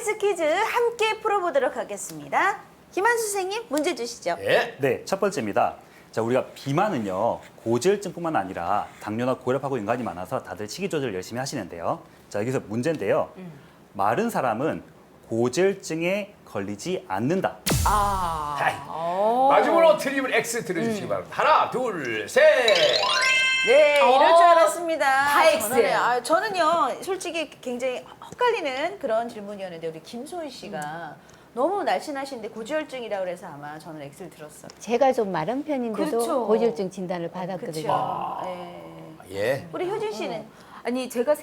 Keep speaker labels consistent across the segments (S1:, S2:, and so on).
S1: OX 퀴즈 함께 풀어보도록 하겠습니다. 김한수 선생님, 문제 주시죠.
S2: 예.
S3: 네, 첫 번째입니다. 자, 우리가 비만은요, 고지혈증뿐만 아니라 당뇨나 고혈압하고 연관이 많아서 다들 식이 조절을 열심히 하시는데요. 자, 여기서 문제인데요. 마른 사람은 고지혈증에 걸리지 않는다.
S2: 하이. 마지막으로 틀리면 X 들어주시기 바랍니다. 하나, 둘, 셋.
S1: 네, 이럴 줄 알았습니다.
S4: 다 X예요.
S1: 저는요, 솔직히 굉장히 헛갈리는 그런 질문이었는데 우리 김소희 씨가 너무 날씬하신데 고지혈증이라고 그래서 아마 저는 X를 들었어요.
S5: 제가 좀 마른 편인데도
S1: 그렇죠.
S5: 고지혈증 진단을 받았거든요.
S1: 그렇죠. 네.
S2: 예.
S1: 우리 효진 씨는
S4: 아니 제가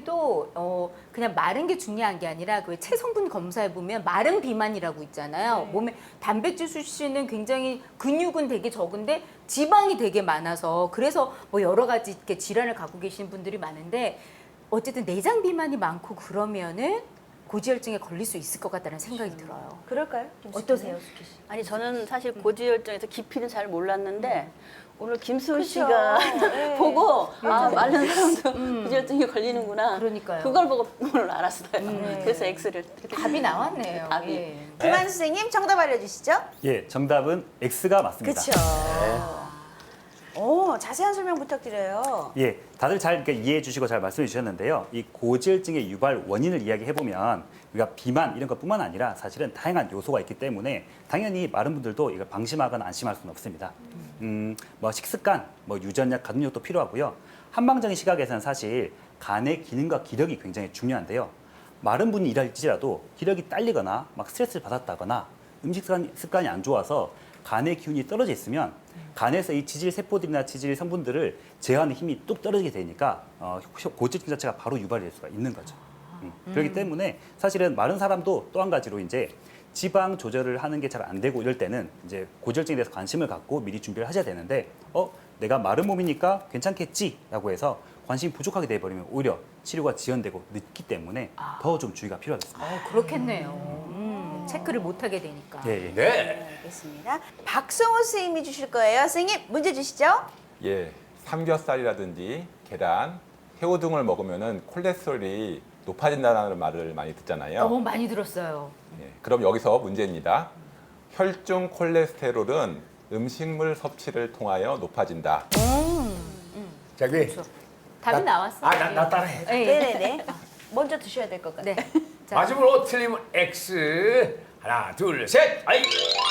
S4: 생각해도 그냥 마른 게 중요한 게 아니라 그 체성분 검사해 보면 마른 비만이라고 있잖아요. 몸에 단백질 수치는 굉장히 근육은 되게 적은데 지방이 되게 많아서 그래서 뭐 여러 가지 이렇게 질환을 갖고 계신 분들이 많은데 어쨌든 내장 비만이 많고 그러면은 고지혈증에 걸릴 수 있을 것 같다는 생각이 들어요.
S1: 그럴까요?
S4: 어떠세요, 수키 씨?
S6: 아니 저는 사실 고지혈증에서 깊이는 잘 몰랐는데 오늘 김수호
S1: 그쵸.
S6: 씨가
S1: 네.
S6: 보고 아 마른 사람도 고지혈증에 걸리는구나.
S4: 그러니까요.
S6: 그걸 보고 오늘 알았어요. 그래서 X를
S4: 답이 나왔네요.
S6: 답이.
S4: 예.
S1: 김한수 선생님 정답 알려주시죠.
S3: 예, 정답은 X가 맞습니다.
S1: 그렇죠. 오, 자세한 설명 부탁드려요.
S3: 예, 다들 잘 이렇게 이해해 주시고 잘 말씀해 주셨는데요. 이 고지혈증의 유발 원인을 이야기해 보면 우리가 비만 이런 것뿐만 아니라 사실은 다양한 요소가 있기 때문에 당연히 마른 분들도 이걸 방심하거나 안심할 수는 없습니다. 뭐 식습관, 뭐 유전약 같은 것도 필요하고요. 한방적인 시각에서는 사실 간의 기능과 기력이 굉장히 중요한데요. 마른 분이 일할지라도 기력이 딸리거나 막 스트레스를 받았다거나 음식 습관이 안 좋아서 간의 기운이 떨어져 있으면 간에서 이 지질 세포들이나 지질 성분들을 제어하는 힘이 뚝 떨어지게 되니까 고지혈증 자체가 바로 유발이 될 수가 있는 거죠. 그렇기 때문에 사실은 마른 사람도 또 한 가지로 이제 지방 조절을 하는 게 잘 안 되고 이럴 때는 이제 고지혈증에 대해서 관심을 갖고 미리 준비를 하셔야 되는데 내가 마른 몸이니까 괜찮겠지라고 해서 관심이 부족하게 돼버리면 오히려 치료가 지연되고 늦기 때문에 더 좀 주의가 필요하겠습니다.
S4: 그렇겠네요. 체크를 못 하게 되니까.
S3: 예, 예.
S2: 네.
S1: 알겠습니다. 박성호 선생님이 주실 거예요. 선생님, 문제 주시죠.
S7: 예, 삼겹살이라든지 계란, 새우 등을 먹으면은 콜레스테롤이 높아진다는 말을 많이 듣잖아요.
S4: 너무 많이 들었어요.
S7: 예, 그럼 여기서 문제입니다. 혈중 콜레스테롤은 음식물 섭취를 통하여 높아진다.
S2: 저기.
S4: 답이 나왔어요.
S2: 나 따라해.
S4: 예, 예.
S1: 네네네. 먼저 드셔야 될 것 같아요.
S4: 네. 자,
S2: 마지막으로 틀리면 X. 하나, 둘, 셋. 아이.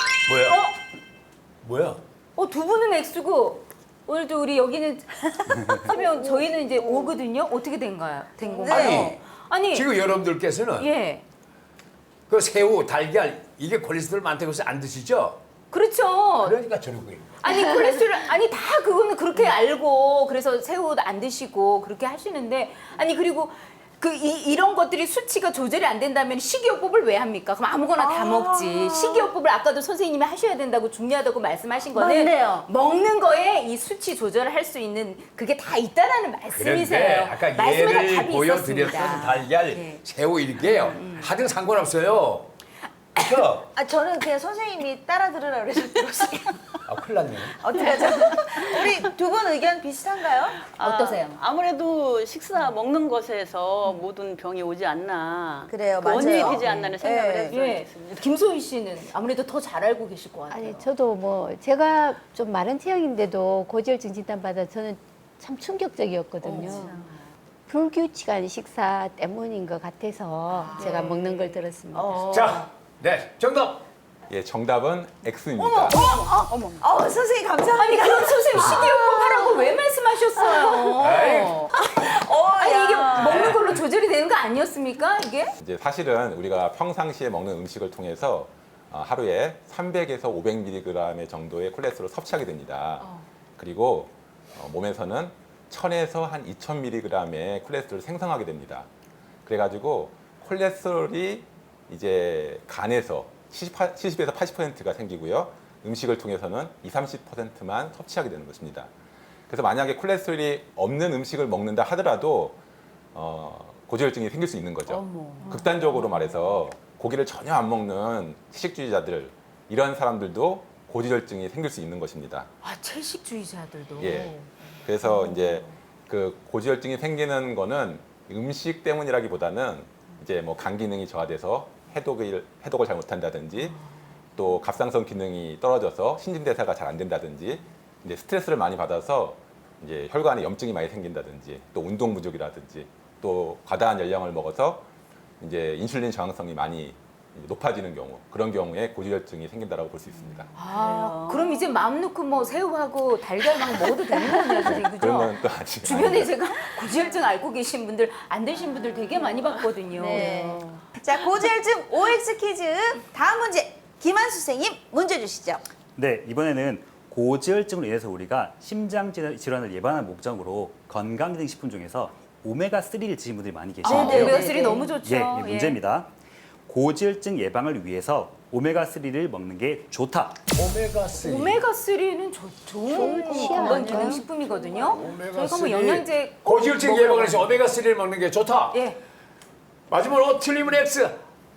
S2: 뭐야?
S4: 두 분은 X고 오늘도 우리 여기는 3명 저희는 이제 O거든요. 어떻게 된 건가요? 아니
S2: 지금 여러분들께서는
S4: 예.
S2: 그 새우, 달걀 이게 콜레스테롤 많다고 해서 안 드시죠?
S4: 그렇죠.
S2: 그러니까 저런 거예요.
S4: 아니 콜레스테롤 아니 다 그거는 그렇게 알고 그래서 새우 안 드시고 그렇게 하시는데 아니 그리고 이런 것들이 수치가 조절이 안 된다면 식이요법을 왜 합니까? 그럼 아무거나 다 먹지. 식이요법을 아까도 선생님이 하셔야 된다고 중요하다고 말씀하신 거는
S1: 맞네요.
S4: 먹는 거에 이 수치 조절을 할 수 있는 그게 다 있다라는
S2: 그런데
S4: 말씀이세요.
S2: 아까
S4: 말씀에 다
S2: 예를
S4: 답이
S2: 보여드렸던
S4: 있었습니다.
S2: 달걀,
S4: 예.
S2: 새우 이게요. 하등 상관없어요. 그렇죠?
S1: 저는 그냥 선생님이 따라 들으라고 그래서 들었어요.
S2: 큰일 났네.
S1: 어떡하죠? 우리 두 분 의견 비슷한가요?
S4: 어떠세요?
S6: 아무래도 식사 먹는 것에서 모든 병이 오지 않나.
S1: 그래요,
S6: 그 원인이
S1: 맞아요.
S6: 되지 않나는 생각을
S1: 네.
S6: 했어요.
S4: 예. 김소희 씨는 아무래도 더 잘 알고 계실 것 같아요.
S5: 아니 저도 뭐 제가 좀 마른 체형인데도 고지혈증 진단 받아 저는 참 충격적이었거든요. 불규칙한 식사 때문인 것 같아서 제가 먹는 걸 들었습니다.
S2: 자, 네, 정답.
S7: 예, 정답은 X입니다.
S1: 선생님 감사합니다.
S4: 아니 그럼 선생님 식이요법 하라고 왜 말씀하셨어요?
S2: 에이.
S4: 아니 이게 먹는 걸로 조절이 되는 거 아니었습니까? 이게?
S7: 이제 사실은 우리가 평상시에 먹는 음식을 통해서 하루에 300에서 500mg의 정도의 콜레스테롤을 섭취하게 됩니다. 그리고 몸에서는 1000에서 한 2000mg의 콜레스테롤을 생성하게 됩니다. 그래가지고 콜레스테롤이 이제 간에서 70에서 80%가 생기고요. 음식을 통해서는 20-30%만 섭취하게 되는 것입니다. 그래서 만약에 콜레스테롤이 없는 음식을 먹는다 하더라도 고지혈증이 생길 수 있는 거죠. 극단적으로 말해서 고기를 전혀 안 먹는 채식주의자들 이런 사람들도 고지혈증이 생길 수 있는 것입니다.
S4: 아 채식주의자들도.
S7: 예. 그래서 이제 그 고지혈증이 생기는 거는 음식 때문이라기보다는 이제 뭐 간 기능이 저하돼서 해독을 잘 못한다든지 또 갑상선 기능이 떨어져서 신진대사가 잘 안 된다든지 이제 스트레스를 많이 받아서 이제 혈관에 염증이 많이 생긴다든지 또 운동 부족이라든지 또 과다한 열량을 먹어서 이제 인슐린 저항성이 많이 높아지는 경우 그런 경우에 고지혈증이 생긴다라고 볼 수 있습니다.
S4: 그럼 이제 마음 놓고 뭐 새우하고 달걀 막 먹어도 되는 거네요, 선생님. 그죠?
S7: 그런 건 또 아직
S4: 주변에 제가 고지혈증 앓고 계신 분들, 안 되신 분들 되게 많이 봤거든요.
S1: 네. 자, 고지혈증 OX 퀴즈 다음 문제 김한수 선생님 문제 주시죠.
S3: 네, 이번에는 고지혈증으로 인해서 우리가 심장 질환을 예방하는 목적으로 건강기능식품 중에서 오메가3를 드신 분들이 많이 계시는데요.
S1: 네, 네,
S4: 오메가3
S1: 네.
S4: 너무 좋죠.
S3: 예, 이 문제입니다. 고지혈증 예방을 위해서 오메가3를 먹는 게 좋다.
S2: 오메가3.
S4: 오메가3는 좋은 건강기능식품이거든요. 저희가 뭐 영양제 꼭
S2: 고지혈증
S4: 먹어요.
S2: 예방을 위해서 오메가3를 먹는 게 좋다.
S4: 예.
S2: 마지막으로 틀리면 X.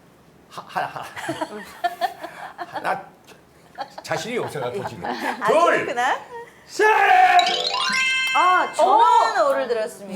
S2: 나 자신이 없어가지고 지금.
S1: 아,
S2: 둘,
S1: 그렇구나.
S2: 셋.
S1: 아, 저는 오를 들었습니다.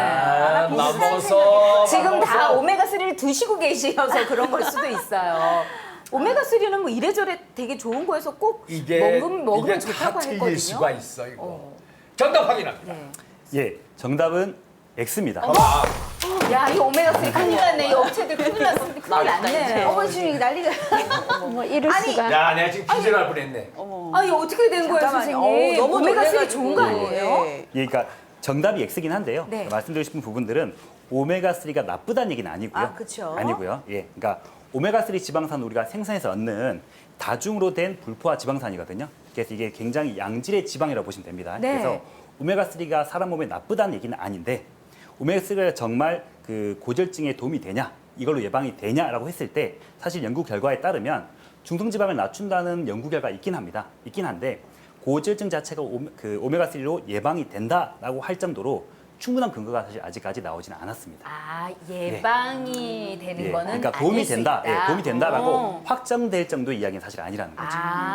S4: 예.
S2: 맘먹었어.
S4: 지금 다 오메가3를 드시고 계셔서 그런 걸 수도 있어요. 오메가3는 뭐 이래저래 되게 좋은 거여서 꼭
S2: 이게
S4: 먹으면 좋다고
S2: 다 틀릴
S4: 했거든요.
S2: 수가 있어 이거. 정답 확인합니다.
S4: 네.
S3: 예, 정답은 X입니다.
S2: 봐봐.
S4: 야, 이 오메가3 큰일 났네. 이 업체들 큰일 났습니다. 큰일 났네.
S1: 어머 지금 이게 난리가.
S5: 뭐 이럴 수가.
S2: 야, 내가 지금 기절할 뻔했네.
S4: 아, 이 어떻게 된 거예요, 선생님?
S1: 너무
S4: 오메가3 좋은 거
S1: 놀래가지고.
S4: 아니에요?
S1: 예.
S3: 예, 그러니까 정답이 X긴 한데요.
S4: 네.
S3: 말씀드리고 싶은 부분들은 오메가3가 나쁘다는 얘기는 아니고요.
S1: 아, 그쵸.
S3: 아니고요. 예, 그러니까 오메가3 지방산은 우리가 생산해서 얻는 다중으로 된 불포화 지방산이거든요. 그래서 이게 굉장히 양질의 지방이라고 보시면 됩니다.
S4: 네.
S3: 그래서 오메가3가 사람 몸에 나쁘다는 얘기는 아닌데 오메가3가 정말 그 고지혈증에 도움이 되냐, 이걸로 예방이 되냐라고 했을 때 사실 연구 결과에 따르면 중성지방을 낮춘다는 연구 결과가 있긴 합니다. 있긴 한데 고지혈증 자체가 오메가3로 예방이 된다라고 할 정도로 충분한 근거가 사실 아직까지 나오지는 않았습니다.
S4: 아, 예방이 되는
S3: 예,
S4: 거는
S3: 그러니까 도움이
S4: 아닐 수
S3: 된다,
S4: 있다.
S3: 예, 도움이 된다라고
S4: 어.
S3: 확정될 정도의 이야기는 사실 아니라는 거죠.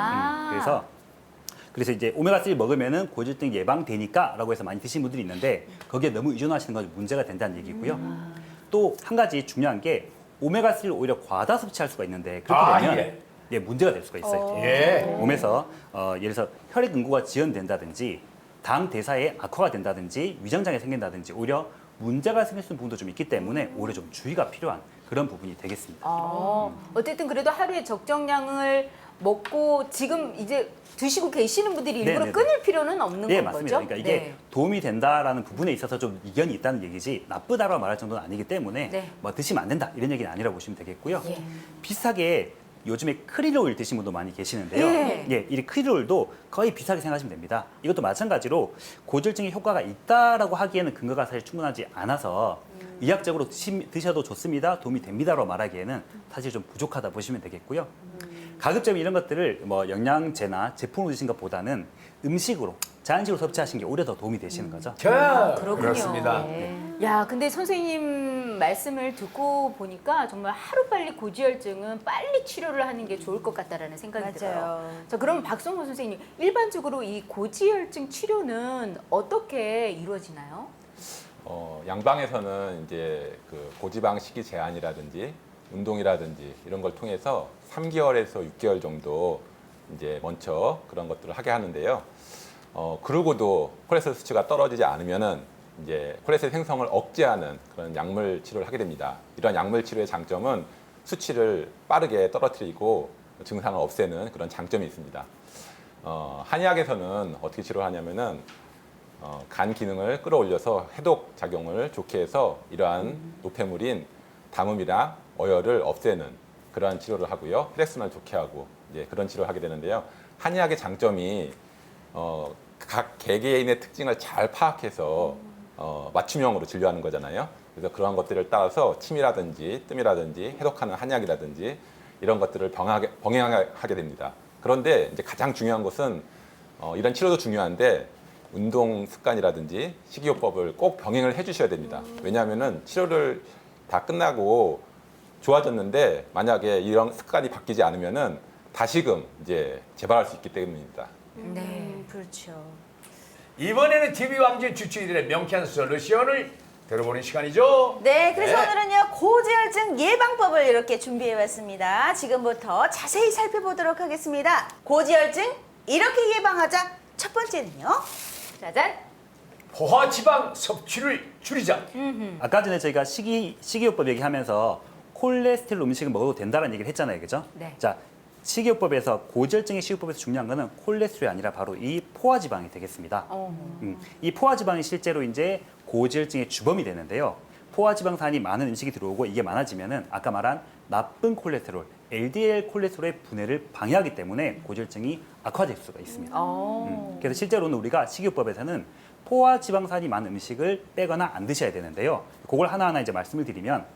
S4: 아.
S3: 그래서 이제 오메가3 먹으면은 고지혈증 예방되니까라고 해서 많이 드시는 분들이 있는데 거기에 너무 의존하시는 건 문제가 된다는 얘기고요. 또 한 가지 중요한 게 오메가3를 오히려 과다 섭취할 수가 있는데 그렇게 되면 예, 문제가 될 수가 있어요.
S2: 예.
S3: 몸에서 예를 들어서 혈액 응고가 지연된다든지 당 대사에 악화가 된다든지 위장장애 생긴다든지 오히려 문제가 생길 수 있는 부분도 좀 있기 때문에 오히려 좀 주의가 필요한 그런 부분이 되겠습니다.
S4: 어쨌든 그래도 하루에 적정량을 먹고 지금 이제 드시고 계시는 분들이 일부러
S3: 네네네.
S4: 끊을 필요는 없는
S3: 네,
S4: 건
S3: 맞습니다.
S4: 거죠?
S3: 그러니까 이게 도움이 된다라는 부분에 있어서 좀 이견이 있다는 얘기지 나쁘다라고 말할 정도는 아니기 때문에
S4: 네.
S3: 뭐 드시면 안 된다 이런 얘기는 아니라고 보시면 되겠고요.
S4: 예.
S3: 비슷하게 요즘에 크릴 오일 드시는 분도 많이 계시는데요.
S4: 예.
S3: 예, 이 크릴 오일도 거의 비슷하게 생각하시면 됩니다. 이것도 마찬가지로 고지혈증에 효과가 있다라고 하기에는 근거가 사실 충분하지 않아서 의학적으로 드셔도 좋습니다, 도움이 됩니다라고 말하기에는 사실 좀 부족하다 보시면 되겠고요. 가급적 이런 것들을 뭐 영양제나 제품으로 드신 것보다는 음식으로 자연식으로 섭취하시는 게 오히려 더 도움이 되시는 거죠.
S4: 그렇군요.
S2: 그렇습니다.
S4: 야, 근데 선생님 말씀을 듣고 보니까 정말 하루빨리 고지혈증은 빨리 치료를 하는 게 좋을 것 같다라는 생각이 들어요.
S1: 맞아요.
S4: 자, 그럼 박성호 선생님, 일반적으로 이 고지혈증 치료는 어떻게 이루어지나요?
S7: 양방에서는 이제 그 고지방 식이 제한이라든지 운동이라든지 이런 걸 통해서 3개월에서 6개월 정도 이제 먼저 그런 것들을 하게 하는데요. 그러고도 콜레스테롤 수치가 떨어지지 않으면은 이제 콜레스테롤 생성을 억제하는 그런 약물 치료를 하게 됩니다. 이런 약물 치료의 장점은 수치를 빠르게 떨어뜨리고 증상을 없애는 그런 장점이 있습니다. 한의학에서는 어떻게 치료를 하냐면은 간 기능을 끌어올려서 해독 작용을 좋게 해서 이러한 노폐물인 담음이랑 어혈을 없애는 그러한 치료를 하고요. 혈액순환을 좋게 하고 이제 그런 치료를 하게 되는데요. 한의학의 장점이 각 개개인의 특징을 잘 파악해서 맞춤형으로 진료하는 거잖아요. 그래서 그러한 것들을 따라서 침이라든지 뜸이라든지 해독하는 한약이라든지 이런 것들을 병행하게 됩니다. 그런데 이제 가장 중요한 것은 이런 치료도 중요한데 운동 습관이라든지 식이요법을 꼭 병행을 해주셔야 됩니다. 왜냐하면은 치료를 다 끝나고 좋아졌는데 만약에 이런 습관이 바뀌지 않으면은 다시금 이제 재발할 수 있기 때문입니다.
S4: 네.
S1: 그렇죠.
S2: 이번에는 TV 왕진 주치의들의 명쾌한 솔루션을 들어보는 시간이죠.
S1: 네, 그래서
S2: 네.
S1: 오늘은요 고지혈증 예방법을 이렇게 준비해봤습니다. 지금부터 자세히 살펴보도록 하겠습니다. 고지혈증 이렇게 예방하자. 첫 번째는요.
S4: 짜잔.
S2: 포화 지방 섭취를 줄이자.
S3: 아까 전에 저희가 식이요법 얘기하면서 콜레스테롤 음식을 먹어도 된다는 얘기를 했잖아요, 그죠?
S4: 네.
S3: 자, 식이요법에서 고지혈증의 식이요법에서 중요한 거는 콜레스테롤이 아니라 바로 이 포화지방이 되겠습니다. 이 포화지방이 실제로 이제 고지혈증의 주범이 되는데요. 포화지방산이 많은 음식이 들어오고 이게 많아지면은 아까 말한 나쁜 콜레스테롤, LDL 콜레스테롤의 분해를 방해하기 때문에 고지혈증이 악화될 수가 있습니다. 그래서 실제로는 우리가 식이요법에서는 포화지방산이 많은 음식을 빼거나 안 드셔야 되는데요. 그걸 하나하나 이제 말씀을 드리면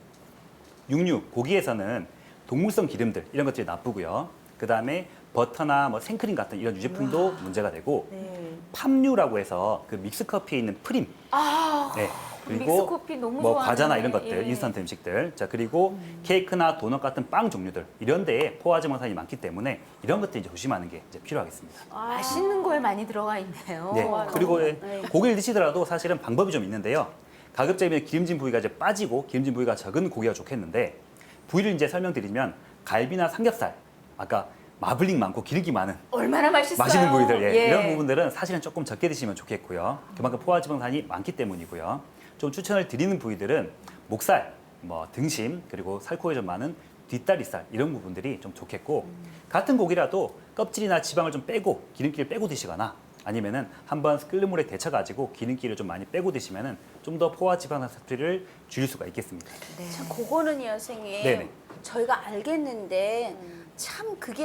S3: 육류, 고기에서는 동물성 기름들 이런 것들이 나쁘고요. 그 다음에 버터나 뭐 생크림 같은 이런 유제품도 문제가 되고
S1: 네.
S3: 팜유라고 해서 그 믹스커피에 있는 프림, 네. 그리고
S4: 믹스커피 너무
S3: 뭐
S4: 좋아하는데.
S3: 과자나 이런 것들,
S4: 예.
S3: 인스턴트 음식들, 자 그리고 케이크나 도넛 같은 빵 종류들 이런 데에 포화지방산이 많기 때문에 이런 것들 이제 조심하는 게 이제 필요하겠습니다.
S4: 맛있는 거에 많이 들어가 있네요.
S3: 네. 그리고 고기를 드시더라도 사실은 방법이 좀 있는데요. 가급적이면 기름진 부위가 이제 빠지고 기름진 부위가 적은 고기가 좋겠는데 부위를 이제 설명드리면 갈비나 삼겹살, 아까 마블링 많고 기름기 많은
S4: 얼마나 맛있어요.
S3: 맛있는 부위들
S4: 예.
S3: 이런 부분들은 사실은 조금 적게 드시면 좋겠고요. 그만큼 포화지방산이 많기 때문이고요. 좀 추천을 드리는 부위들은 목살, 뭐 등심 그리고 살코기 좀 많은 뒷다리살 이런 부분들이 좀 좋겠고 같은 고기라도 껍질이나 지방을 좀 빼고 기름기를 빼고 드시거나 아니면은 한번 끓는 물에 데쳐가지고 기름기를 좀 많이 빼고 드시면은 좀 더 포화지방산 섭취를 줄일 수가 있겠습니다.
S1: 참 그거는요, 선생님.
S3: 네네.
S1: 저희가 알겠는데 참 그게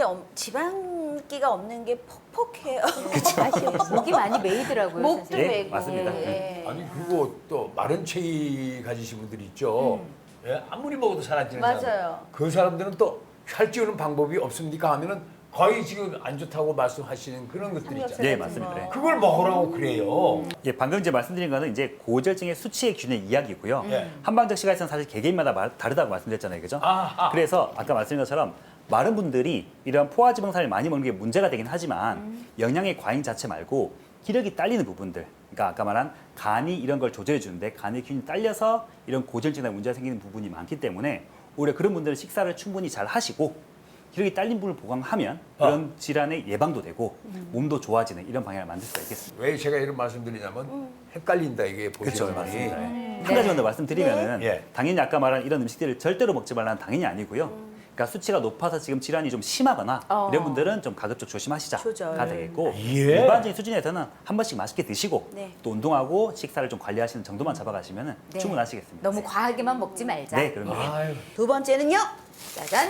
S1: 지방기가 없는 게 퍽퍽해요.
S4: 목이 많이 메이더라고요.
S1: 목도
S4: 선생님.
S3: 네,
S1: 메고.
S3: 맞습니다.
S1: 예.
S2: 아니 그리고 또 마른 체위 가지신 분들이 있죠. 예? 아무리 먹어도 살 안 찌는
S1: 맞아요.
S2: 사람. 그 사람들은 또 살 찌우는 방법이 없습니까 하면은 거의 지금 안 좋다고 말씀하시는 그런 것들이 있잖아요.
S3: 네, 맞습니다. 네.
S2: 그걸 먹으라고 그래요.
S3: 예, 방금 이제 말씀드린 거는 이제 고지혈증의 수치의 기준의 이야기고요.
S2: 예.
S3: 한방적 시각에서는 사실 개개인마다 다르다고 말씀드렸잖아요, 그죠? 그래서 아까 말씀드린 것처럼 많은 분들이 이런 포화지방산을 많이 먹는 게 문제가 되긴 하지만 영양의 과잉 자체 말고 기력이 딸리는 부분들, 그러니까 아까 말한 간이 이런 걸 조절해 주는데 간의 기운이 딸려서 이런 고지혈증에 문제가 생기는 부분이 많기 때문에 오히려 그런 분들은 식사를 충분히 잘 하시고 기력이 딸린 부분을 보강하면 그런 질환의 예방도 되고 몸도 좋아지는 이런 방향을 만들 수가 있겠습니다.
S2: 왜 제가 이런 말씀드리냐면 헷갈린다 이게
S3: 그렇죠,
S2: 보시면
S3: 맞습니다. 한 가지만 더 말씀드리면은
S2: 네.
S3: 당연히 아까 말한 이런 음식들을 절대로 먹지 말라는 당연히 아니고요. 그러니까 수치가 높아서 지금 질환이 좀 심하거나 이런 분들은 좀 가급적 조심하시자가
S1: 조절.
S3: 되겠고
S2: 예.
S3: 일반적인 수준에서는 한 번씩 맛있게 드시고
S1: 네.
S3: 또 운동하고 식사를 좀 관리하시는 정도만 잡아가시면
S4: 네.
S3: 충분하시겠습니다.
S4: 너무 과하게만 먹지 말자.
S3: 네, 그럼요.
S2: 아유,
S1: 두 번째는요.
S4: 짜잔.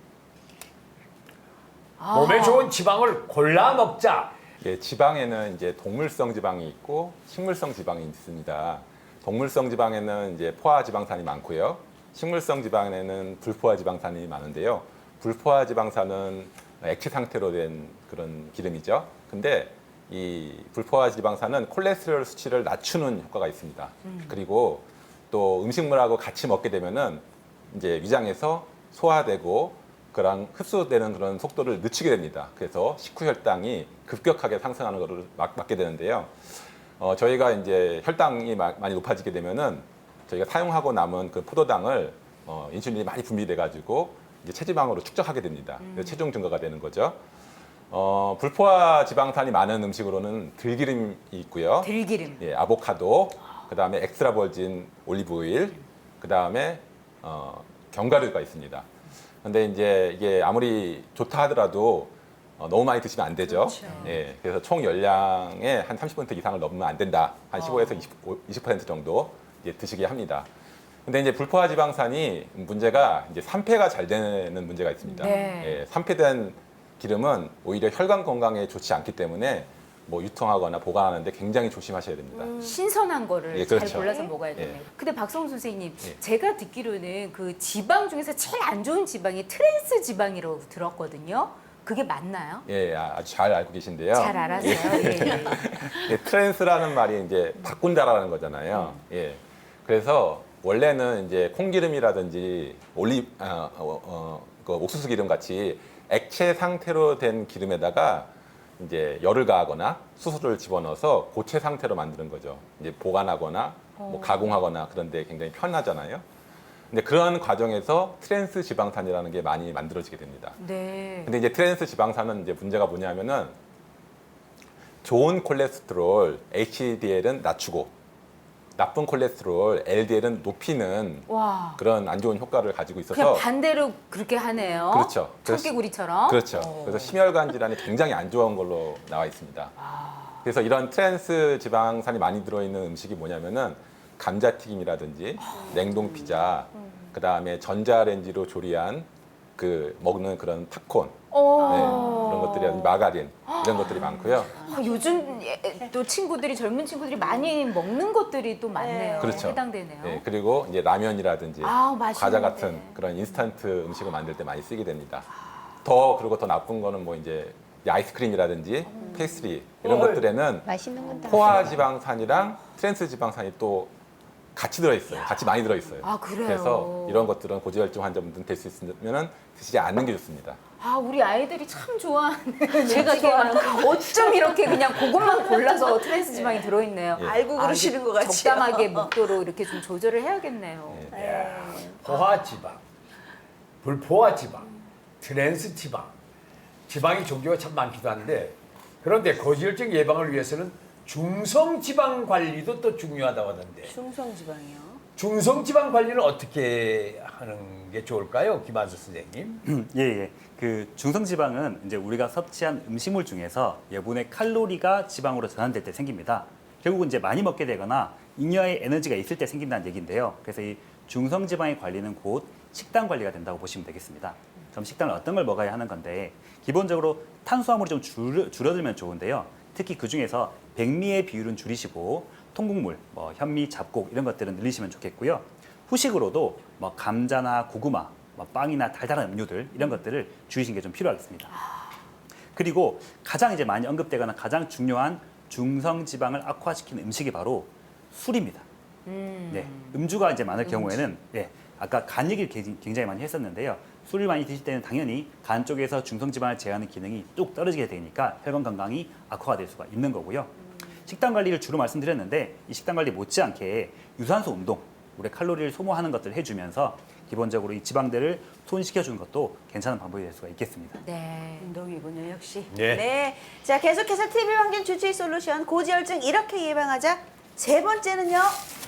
S2: 몸에 좋은 지방을 골라 먹자.
S7: 예, 지방에는 이제 동물성 지방이 있고 식물성 지방이 있습니다. 동물성 지방에는 이제 포화 지방산이 많고요. 식물성 지방에는 불포화 지방산이 많은데요. 불포화 지방산은 액체 상태로 된 그런 기름이죠. 근데 이 불포화 지방산은 콜레스테롤 수치를 낮추는 효과가 있습니다. 그리고 또 음식물하고 같이 먹게 되면은 이제 위장에서 소화되고 그런 흡수되는 그런 속도를 늦추게 됩니다. 그래서 식후 혈당이 급격하게 상승하는 것을 막게 되는데요. 저희가 이제 혈당이 많이 높아지게 되면은 저희가 사용하고 남은 그 포도당을 인슐린이 많이 분비돼 가지고 이제 체지방으로 축적하게 됩니다. 그래서 체중 증가가 되는 거죠. 불포화 지방산이 많은 음식으로는 들기름이 있고요.
S4: 들기름.
S7: 예, 아보카도, 그다음에 엑스트라 버진 올리브 오일, 그다음에 견과류가 있습니다. 근데 이제 이게 아무리 좋다 하더라도 너무 많이 드시면 안 되죠. 예, 그래서 총 열량의 한 30% 이상을 넘으면 안 된다. 한 15에서 20% 정도 이제 드시게 합니다. 근데 이제 불포화 지방산이 문제가 이제 산패가 잘 되는 문제가 있습니다.
S4: 네.
S7: 예, 산패된 기름은 오히려 혈관 건강에 좋지 않기 때문에 뭐 유통하거나 보관하는데 굉장히 조심하셔야 됩니다.
S4: 신선한 거를
S7: 예,
S4: 잘
S7: 그렇죠.
S4: 골라서 먹어야 되네요.
S7: 예.
S4: 근데 박성훈 선생님,
S7: 예.
S4: 제가 듣기로는 그 지방 중에서 제일 안 좋은 지방이 트랜스 지방이라고 들었거든요. 그게 맞나요?
S7: 예, 아주 잘 알고 계신데요.
S4: 잘 알았어요. 예.
S7: 예, 트랜스라는 말이 이제 바꾼다라는 거잖아요. 예. 그래서 원래는 이제 콩기름이라든지 그 옥수수 기름 같이 액체 상태로 된 기름에다가 이제 열을 가하거나 수소를 집어넣어서 고체 상태로 만드는 거죠. 이제 보관하거나 뭐 가공하거나 그런데 굉장히 편하잖아요. 근데 그런 과정에서 트랜스 지방산이라는 게 많이 만들어지게 됩니다.
S4: 네.
S7: 근데 이제 트랜스 지방산은 이제 문제가 뭐냐면은 좋은 콜레스테롤 HDL은 낮추고 나쁜 콜레스테롤 LDL은 높이는
S4: 와.
S7: 그런 안 좋은 효과를 가지고
S4: 그냥
S7: 있어서
S4: 반대로 그렇게 하네요.
S7: 그렇죠.
S4: 청개구리처럼.
S7: 그렇죠. 그래서 심혈관 질환이 굉장히 안 좋은 걸로 나와 있습니다. 그래서 이런 트랜스 지방산이 많이 들어있는 음식이 뭐냐면은 감자튀김이라든지 냉동 피자, 그 다음에 전자레인지로 조리한 그 먹는 그런 팝콘, 네, 그런 것들이 마가린 이런 것들이 많고요.
S4: 요즘 또 친구들이 젊은 친구들이 많이 먹는 것들이 또 많네요.
S7: 그렇죠.
S4: 해당되네요.
S7: 네, 그리고 이제 라면이라든지
S4: 맛있는데.
S7: 과자 같은 그런 인스턴트 음식을 만들 때 많이 쓰게 됩니다. 그리고 더 나쁜 거는 뭐 이제 아이스크림이라든지 페이스트리 이런 것들에는
S5: 맛있는 건 다.
S7: 포화 지방산이랑 트랜스 지방산이 또 같이 들어있어요. 같이 많이 들어있어요.
S4: 아, 그래요?
S7: 그래서 이런 것들은 고지혈증 환자분들은 될 수 있으면 드시지 않는 게 좋습니다.
S4: 우리 아이들이 참 좋아하는
S6: 제가 좋아하는
S4: 어쩜 이렇게 그냥 그것만 골라서 트랜스 지방이 들어있네요.
S7: 예.
S1: 알고 그러시는 것 같아요.
S4: 적당하게 먹도록 이렇게 좀 조절을 해야겠네요.
S2: 포화지방, 불포화지방, 트랜스지방, 지방이 종류가 참 많기도 한데 그런데 고지혈증 예방을 위해서는 중성지방 관리도 또 중요하다고 하던데
S1: 중성지방이요.
S2: 중성지방 관리는 어떻게 하는 게 좋을까요, 김한수 선생님?
S3: 예. 그 중성지방은 이제 우리가 섭취한 음식물 중에서 여분의 칼로리가 지방으로 전환될 때 생깁니다. 결국은 이제 많이 먹게 되거나 잉여의 에너지가 있을 때 생긴다는 얘기인데요. 그래서 이 중성지방의 관리는 곧 식단 관리가 된다고 보시면 되겠습니다. 그럼 식단을 어떤 걸 먹어야 하는 건데 기본적으로 탄수화물이 좀 줄어들면 좋은데요. 특히 그 중에서 백미의 비율은 줄이시고 통곡물, 뭐 현미, 잡곡 이런 것들은 늘리시면 좋겠고요. 후식으로도 뭐 감자나 고구마, 뭐 빵이나 달달한 음료들 이런 것들을 줄이시는 게 좀 필요하겠습니다. 그리고 가장 이제 많이 언급되거나 가장 중요한 중성 지방을 악화시키는 음식이 바로 술입니다. 네, 음주가 이제 많을 경우에는 아까 간 얘기를 굉장히 많이 했었는데요. 술을 많이 드실 때는 당연히 간 쪽에서 중성지방을 제어하는 기능이 뚝 떨어지게 되니까 혈관 건강이 악화가 될 수가 있는 거고요. 식단 관리를 주로 말씀드렸는데 이 식단 관리 못지않게 유산소 운동, 우리 칼로리를 소모하는 것들을 해주면서 기본적으로 이 지방들을 손시켜주는 것도 괜찮은 방법이 될 수가 있겠습니다.
S4: 네.
S1: 운동이군요, 역시.
S2: 네.
S1: 자, 계속해서 TV 환경 주치의 솔루션 고지혈증 이렇게 예방하자. 세 번째는요.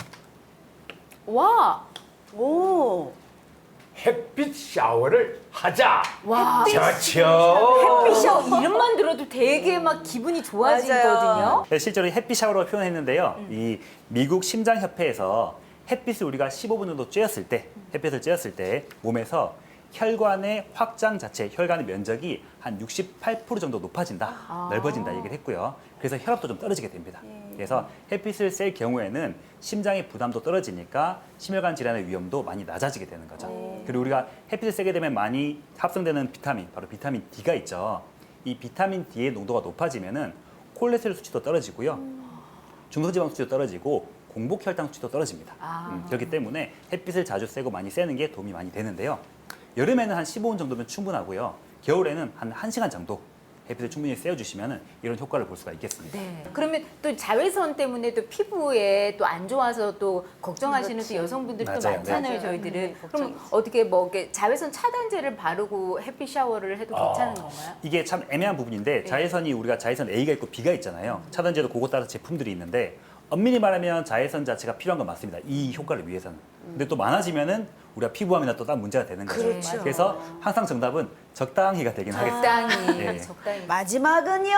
S4: 와.
S1: 오.
S2: 햇빛 샤워를 하자.
S4: 와.
S2: 좋죠.
S4: 햇빛 샤워 이름만 들어도 되게 막 기분이 좋아지거든요.
S3: 네, 실제로 햇빛 샤워라고 표현했는데요. 이 미국 심장협회에서 햇빛을 우리가 15분 정도 쬐었을 때, 햇빛을 쬐었을 때 몸에서 혈관의 확장 자체, 혈관의 면적이 한 68% 정도 높아진다, 넓어진다 얘기를 했고요. 그래서 혈압도 좀 떨어지게 됩니다. 그래서 햇빛을 쐴 경우에는 심장의 부담도 떨어지니까 심혈관 질환의 위험도 많이 낮아지게 되는 거죠. 그리고 우리가 햇빛을 쐬게 되면 많이 합성되는 비타민, 바로 비타민 D가 있죠. 이 비타민 D의 농도가 높아지면은 콜레스테롤 수치도 떨어지고요. 중성지방 수치도 떨어지고 공복 혈당 수치도 떨어집니다. 그렇기 때문에 햇빛을 자주 쐬고 많이 쐬는 게 도움이 많이 되는데요. 여름에는 한 15분 정도면 충분하고요. 겨울에는 한 1시간 정도 햇빛을 충분히 쐬어주시면 이런 효과를 볼 수가 있겠습니다.
S4: 네. 그러면 또 자외선 때문에 또 피부에 또 안 좋아서 또 걱정하시는 또 여성분들이 또
S3: 맞아요.
S4: 많잖아요,
S6: 맞아요.
S4: 저희들은. 그럼
S6: 걱정이죠.
S4: 어떻게 뭐 이렇게 자외선 차단제를 바르고 햇빛 샤워를 해도 괜찮은 건가요?
S3: 이게 참 애매한 부분인데 자외선이 우리가 자외선 A가 있고 B가 있잖아요. 차단제도 그거 따라 제품들이 있는데 엄밀히 말하면 자외선 자체가 필요한 건 맞습니다. 이 효과를 위해서는. 근데 또 많아지면은 우리가 피부암이나 또 다른 문제가 되는 거죠.
S1: 그렇죠.
S3: 그래서 항상 정답은 적당히가 되긴 하겠습니다.
S4: 적당히,
S3: 예.
S4: 적당히.
S1: 마지막은요.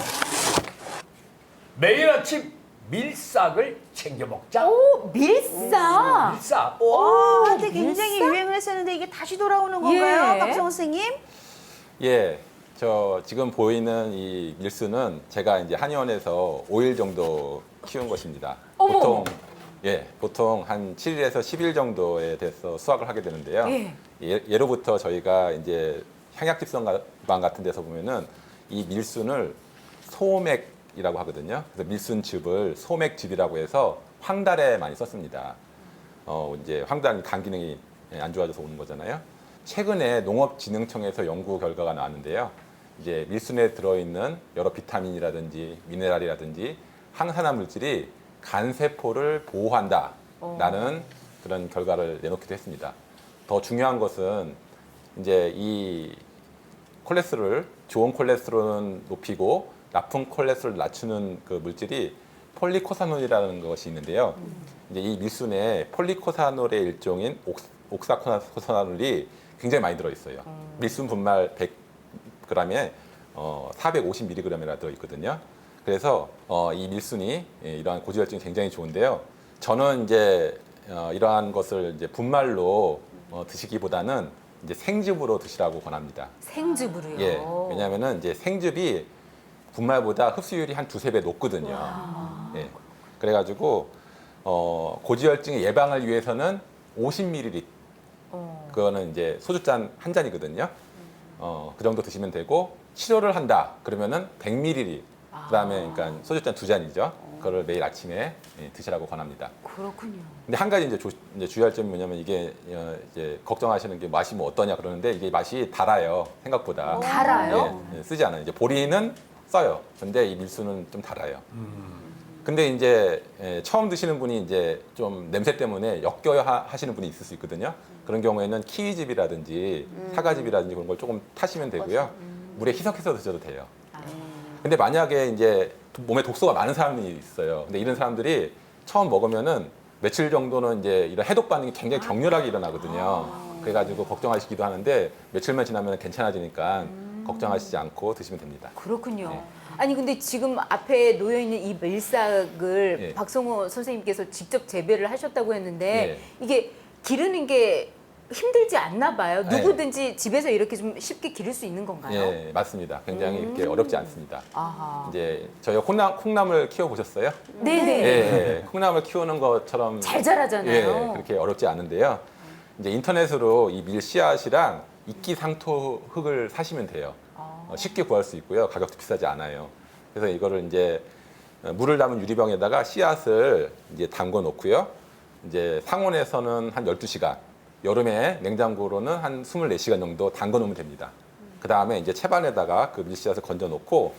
S2: 매일 아침 밀싹을 챙겨 먹자.
S4: 오, 밀사.
S2: 밀싹.
S1: 와, 한때 굉장히 유행을 했었는데 이게 다시 돌아오는 건가요,
S4: 예.
S1: 박성호 선생님?
S7: 예, 저 지금 보이는 이 밀수는 제가 이제 한의원에서 5일 정도 키운 것입니다.
S4: 어머.
S7: 보통 한 7일에서 10일 정도에 돼서 수확을 하게 되는데요.
S4: 예.
S7: 예로부터 저희가 이제 향약집성 같은 데서 보면은 이 밀순을 소맥이라고 하거든요. 그래서 밀순즙을 소맥즙이라고 해서 황달에 많이 썼습니다. 이제 황달은 간 기능이 안 좋아져서 오는 거잖아요. 최근에 농업진흥청에서 연구 결과가 나왔는데요. 이제 밀순에 들어있는 여러 비타민이라든지 미네랄이라든지 항산화 물질이 간 세포를 보호한다라는 그런 결과를 내놓기도 했습니다. 더 중요한 것은 이제 이 콜레스테롤, 좋은 콜레스테롤은 높이고 나쁜 콜레스테롤을 낮추는 그 물질이 폴리코사놀이라는 것이 있는데요. 이제 이 밀순에 폴리코사놀의 일종인 옥사코사놀이 굉장히 많이 들어있어요. 밀순 분말 100g에 450mg이나 들어있거든요. 그래서 이 밀순이 이러한 고지혈증이 굉장히 좋은데요. 저는 이제 이러한 것을 이제 분말로 드시기보다는 이제 생즙으로 드시라고 권합니다.
S4: 생즙으로요.
S7: 예, 왜냐하면은 이제 생즙이 분말보다 흡수율이 한 두세 배 높거든요. 예, 그래가지고 고지혈증 예방을 위해서는 50ml, 그거는 이제 소주잔 한 잔이거든요. 그 정도 드시면 되고 치료를 한다 그러면은 100ml, 그다음에 그러니까 소주잔 두 잔이죠. 그거를 매일 아침에 드시라고 권합니다.
S4: 그렇군요.
S7: 근데 한 가지 이제 주의할 점이 뭐냐면 이게 이제 걱정하시는 게 맛이 뭐 어떠냐 그러는데 이게 맛이 달아요, 생각보다.
S4: 달아요?
S7: 예, 쓰지 않아요. 이제 보리는 써요. 근데 이 밀수는 좀 달아요. 근데 이제 처음 드시는 분이 이제 좀 냄새 때문에 역겨워 하시는 분이 있을 수 있거든요. 그런 경우에는 키위즙이라든지 사과즙이라든지 그런 걸 조금 타시면 되고요. 물에 희석해서 드셔도 돼요. 근데 만약에 이제 몸에 독소가 많은 사람이 있어요. 근데 이런 사람들이 처음 먹으면은 며칠 정도는 이제 이런 해독 반응이 굉장히 격렬하게 일어나거든요. 그래가지고 걱정하시기도 하는데 며칠만 지나면 괜찮아지니까 걱정하시지 않고 드시면 됩니다.
S4: 그렇군요.
S7: 네.
S4: 아니 근데 지금 앞에 놓여 있는 이 밀싹을
S7: 예.
S4: 박성호 선생님께서 직접 재배를 하셨다고 했는데
S7: 예.
S4: 이게 기르는 게 힘들지 않나 봐요.
S7: 네.
S4: 누구든지 집에서 이렇게 좀 쉽게 기를 수 있는 건가요?
S7: 예, 맞습니다. 굉장히 이렇게 어렵지 않습니다.
S4: 아하.
S7: 이제 저희가 콩나물 키워 보셨어요?
S4: 네네.
S7: 예, 콩나물 키우는 것처럼
S4: 잘 자라잖아요.
S7: 예, 그렇게 어렵지 않은데요. 이제 인터넷으로 이 밀 씨앗이랑 이끼 상토 흙을 사시면 돼요. 쉽게 구할 수 있고요. 가격도 비싸지 않아요. 그래서 이거를 이제 물을 담은 유리병에다가 씨앗을 이제 담궈 놓고요. 이제 상온에서는 한 12시간, 여름에 냉장고로는 한 24시간 정도 담궈 놓으면 됩니다. 그 다음에 이제 채반에다가 그 밀씨앗을 건져 놓고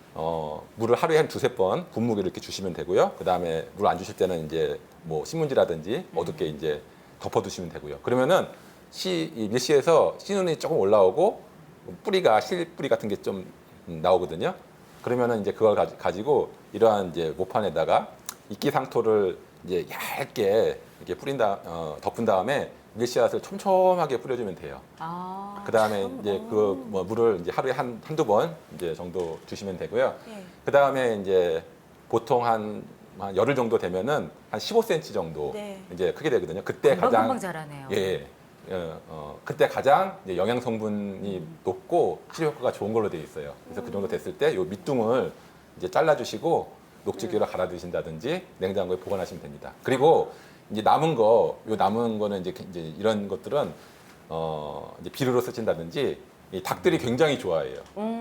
S7: 물을 하루에 한 두세 번 분무기를 이렇게 주시면 되고요. 그 다음에 물 안 주실 때는 이제 뭐 신문지라든지 어둡게 이제 덮어 두시면 되고요. 그러면은 이 밀씨에서 씨눈이 조금 올라오고 뿌리가 실뿌리 같은 게 좀 나오거든요. 그러면은 이제 그걸 가지고 이러한 이제 모판에다가 이끼 상토를 이제 얇게 이렇게 덮은 다음에 밀씨앗을 촘촘하게 뿌려주면 돼요.
S4: 아.
S7: 그 다음에 이제 그 뭐 물을 이제 하루에 한두 번 이제 정도 주시면 되고요.
S1: 예.
S7: 그 다음에 이제 보통 한 열흘 정도 되면은 한 15cm 정도
S1: 네.
S7: 이제 크게 되거든요. 그때
S4: 금방
S7: 가장
S4: 자라네요.
S7: 예, 그때 가장 이제 영양 성분이 높고 치료 효과가 좋은 걸로 되어 있어요. 그래서 그 정도 됐을 때 이 밑둥을 이제 잘라주시고 녹즙기로 갈아 드신다든지 냉장고에 보관하시면 됩니다. 그리고 이제 남은 거는 이제 이런 것들은 이제 비료로 쓰신다든지 이 닭들이 굉장히 좋아해요.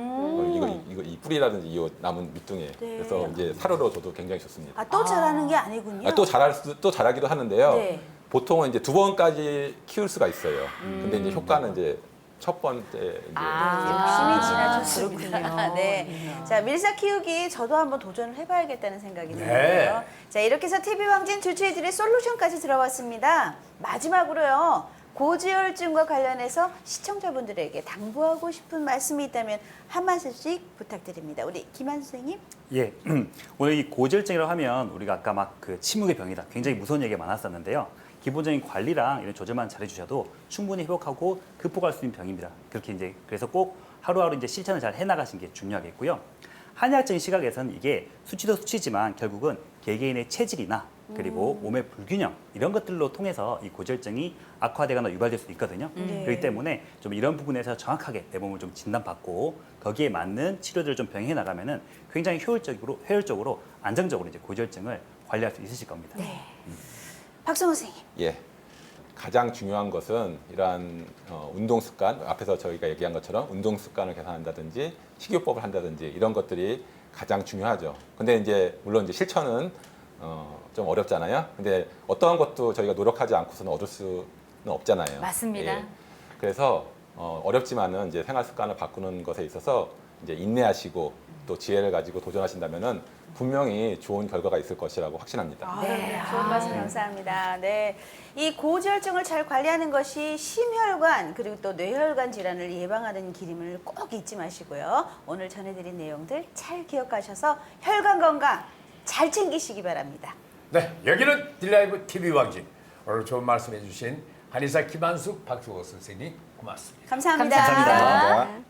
S7: 이 뿌리라든지 이 남은 밑둥에.
S1: 네.
S7: 그래서 이제 사료로 줘도 굉장히 좋습니다.
S1: 아, 또 자라는 게 아니군요.
S7: 또 자라기도 하는데요.
S1: 네.
S7: 보통은 이제 2번까지 키울 수가 있어요. 근데 이제 효과는 이제 첫 번째 이제
S1: 욕심이 지나쳤습니다.
S4: 그렇군요.
S1: 네. 자, 밀사 키우기 저도 한번 도전을 해봐야겠다는 생각이
S2: 네.
S1: 드는데요. 자, 이렇게 해서 TV 왕진 주최해드릴 솔루션까지 들어봤습니다. 마지막으로요. 고지혈증과 관련해서 시청자분들에게 당부하고 싶은 말씀이 있다면 한 말씀씩 부탁드립니다. 우리 김한 선생님.
S3: 예, 오늘 이 고지혈증이라고 하면 우리가 아까 막 그 침묵의 병이다, 굉장히 무서운 얘기가 많았었는데요. 기본적인 관리랑 이런 조절만 잘해주셔도 충분히 회복하고 극복할 수 있는 병입니다. 그렇게 이제 그래서 꼭 하루하루 이제 실천을 잘 해나가시는 게 중요하겠고요. 한의학적인 시각에서는 이게 수치도 수치지만 결국은 개개인의 체질이나 그리고 몸의 불균형 이런 것들로 통해서 이 고지혈증이 악화되거나 유발될 수 있거든요.
S1: 네.
S3: 그렇기 때문에 좀 이런 부분에서 정확하게 내 몸을 좀 진단받고 거기에 맞는 치료들을 좀 병행해 나가면은 굉장히 효율적으로 안정적으로 이제 고지혈증을 관리할 수 있으실 겁니다.
S1: 네. 박성호 선생님.
S7: 예. 가장 중요한 것은 이러한 운동 습관, 앞에서 저희가 얘기한 것처럼 운동 습관을 개선한다든지 식이요법을 한다든지 이런 것들이 가장 중요하죠. 근데 이제 물론 이제 실천은 좀 어렵잖아요. 근데 어떠한 것도 저희가 노력하지 않고서는 얻을 수는 없잖아요.
S4: 맞습니다.
S7: 그래서 어렵지만은 이제 생활 습관을 바꾸는 것에 있어서 이제 인내하시고 또 지혜를 가지고 도전하신다면은 분명히 좋은 결과가 있을 것이라고 확신합니다.
S1: 네, 좋은 말씀 감사합니다. 네, 이 고지혈증을 잘 관리하는 것이 심혈관 그리고 또 뇌혈관 질환을 예방하는 길임을 꼭 잊지 마시고요. 오늘 전해드린 내용들 잘 기억하셔서 혈관 건강 잘 챙기시기 바랍니다.
S2: 네, 여기는 딜라이브 TV 왕진. 오늘 좋은 말씀해 주신 한의사 김한숙 박수호 선생님 고맙습니다.
S1: 감사합니다.
S3: 감사합니다.
S7: 감사합니다.